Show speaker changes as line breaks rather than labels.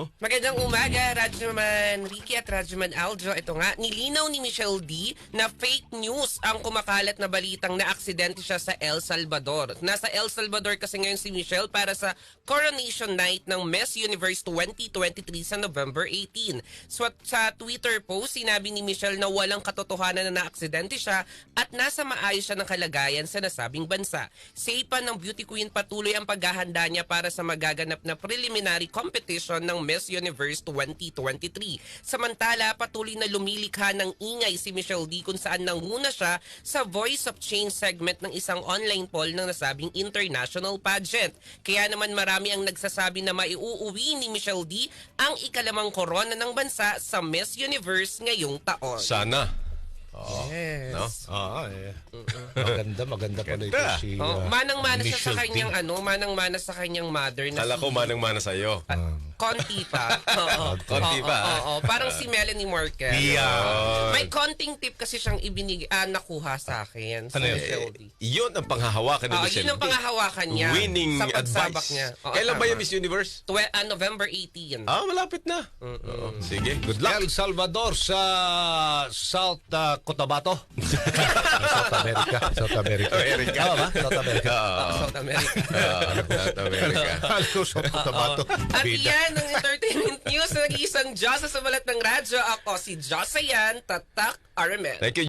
Magandang umaga, Radyoman Ricky at Radyoman Aljo. Ito nga, nilinaw ni Michelle D na fake news ang kumakalat na balitang na aksidente siya sa El Salvador. Nasa El Salvador kasi ngayon si Michelle para sa Coronation Night ng Miss Universe 2023 sa November 18. So sa Twitter post, sinabi ni Michelle na walang katotohanan na naaksidente siya at nasa maayos siya ng kalagayan sa nasabing bansa. Say pa ng beauty queen, patuloy ang paghahanda niya para sa magaganap na preliminary competition ng Miss Universe 2023. Samantala, patuloy na lumilikha ng ingay si Michelle D kung saan nanguna siya sa Voice of Change segment ng isang online poll ng nasabing international pageant. Kaya naman marami ang nagsasabi na maiuuwi ni Michelle D ang ikalamang korona ng bansa sa Miss Universe ngayong taon.
Sana.
Yes.
No?
Maganda pala ito
Ganda.
si
manang-mana siya sa
Michelle
kanyang
D.
manang-mana sa kanyang mother na
Kala ko manang-mana sa'yo.
konti pa. Oo.
Konti pa,
Oo. Parang si Melanie Marquez.
Yeah.
May konting tip kasi siyang nakuha sa akin. Sa
Ano yun?
Michelle D.
Yun ang panghahawakan ni Michelle
Yun ang
D.
panghahawakan niya.
Winning
sa pagsabak
advice.
niya. Oo,
Kailan ba
tama.
yung Miss Universe?
November 18.
Malapit na. Oo. Sige, good luck.
El Salvador sa South Cotabato. South America. South America.
America.
Tama ba? South America.
South America.
South America.
Alam ko South Cotabato.
At
Bida.
yan ang entertainment news na nag-iisang Diyosa sa balat ng radyo. Ako si Josayan Tatak Aramet.
Thank you.